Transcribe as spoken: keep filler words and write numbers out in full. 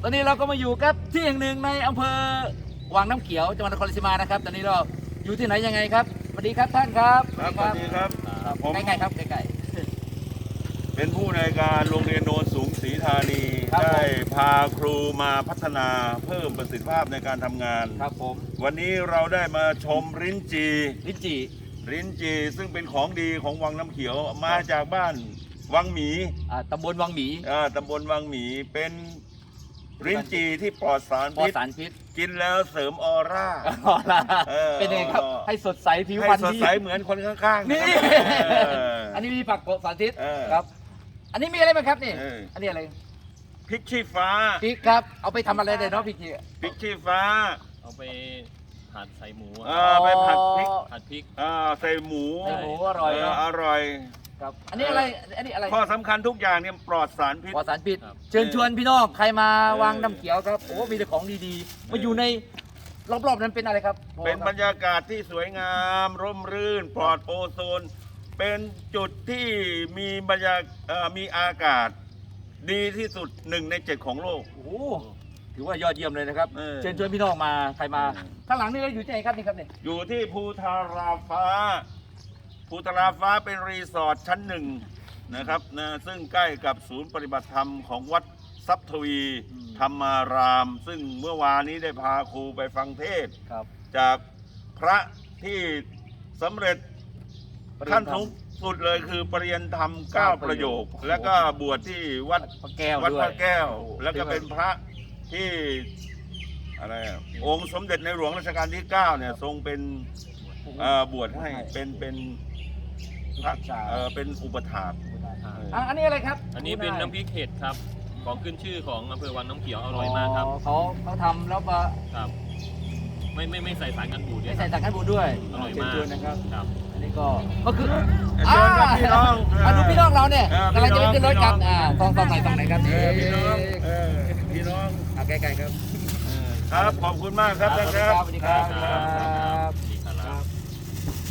ตอนนี้เราก็มาอยู่กับที่แห่งหนึ่งในอำเภอวังน้ำเขียวจังหวัดนครราชสีมานะครับตอนนี้เราอยู่ที่ไหนยังไงครับสวัสดีครับท่านครับครับสวัสดีครับผมใกล้ๆครับใกล้เป็นผู้ในวยการโรงเรียนโนนสูงศรีธานีครับได้พาครูมาพัฒนาเพิ่มประสิทธิภาพในการทำงานๆครับผมวันนี้เราได้มาชมริ้นจีลิ้นจี่ริ้นจีซึ่งเป็นของดีของวังน้ำเขียวมาจากบ้านวังหมีอ่าตำบลวังหมีอ่าตำบลวังหมีเป็นริ้นจีที่ปลอดสารปลอดพิษสารพิษกินแล้วเสริมออร่าอ๋อล่ะเออเป็นยังไงครับให้สดใสผิวให้พรรณสดดีใสเหมือนคนข้างๆนี่นะครับเอออันนี้มีผักปลอดสารพิษเออครับ อันนี้มีอะไรบ้างครับนี่เอออันนี้อะไรพริกชี้ฟ้าพริกครับเอาไปทำอะไรได้เนาะพริกจี่พริกชี้ฟ้าเอาไปผัดใส่หมูอะเออไปผัดพริกผัดพริกอ่าใส่หมูใส่หมูอร่อยเออเนาะอร่อยครับอันนี้อะไรอันนี้อะไรข้อสำคัญทุกอย่างเนี่ยปลอดสารพิษปลอดสารพิษเชิญชวนพี่น้องใครมาเออวางน้ำเขียวครับโอ้มีแต่ของดีๆมาอยู่ในรอบๆนั้นเป็นอะไรครับเป็นบรรยากาศที่สวยงาม ร่มรื่น ปลอดโอโซน เป็นจุดที่มีบรรยากเอ่อมีอากาศดีที่สุดหนึ่งในเจ็ดของโลกโอ้โหถือว่ายอดเยี่ยมเลยนะครับเออเชิญชวนพี่น้องมาใครมาเออข้างหลังนี่เราอยู่ที่ไหนครับนี่ครับนี่อยู่ที่ภูทาราฟ้า ภูทาราฟ้าเป็นรีสอร์ทชั้นหนึ่งนะครับนะซึ่งใกล้กับศูนย์ปฏิบัติธรรมของวัดทรัพย์ทวีธรรมาราม ซึ่งเมื่อวานนี้ได้พาครูไปฟังเทศน์ครับจากพระที่สำเร็จขั้นสูงสุดเลยคือปริยนธรรมเก้าประโยค แล้วก็บวชที่วัดพระแก้ววัดด้วพยระแก้วโอ้โหแล้วก็เป็นพระที่อะไรอะองค์สมเด็จในหลวงรัชกาลที่เก้าเนี่ยทรงเป็นเอ่อบวชให้เป็นเป็นพระเอ่อเป็นอุปถากอ่ะอันนี้อะไรครับอันนี้เป็นน้ำพริกเห็ดครับ ของขึ้นชื่อของอำเภอวังน้ำเขียวอร่อยมากครับเขาเขาทำแล้วมาครับ ไม่ไม่ไม่ใส่สารกันบูดด้วไม่ยคใส่รับสารกันบูดด้วยอร่อยเชิญมากชวนนะครับครับอันนี้ก็ก็คือเชิญครับพี่น้องอ่าดูพี่น้องเราเนี่ยเออกำลังจะไปขึ้นรถกันพี่น้องอ่าตองตองไหนตองไหนครับเออพี่น้องเออพี่น้องอ่าใกล้ๆครับครับขอบคุณมากครับท่านครับสวัสดีครับสวัสดีครับ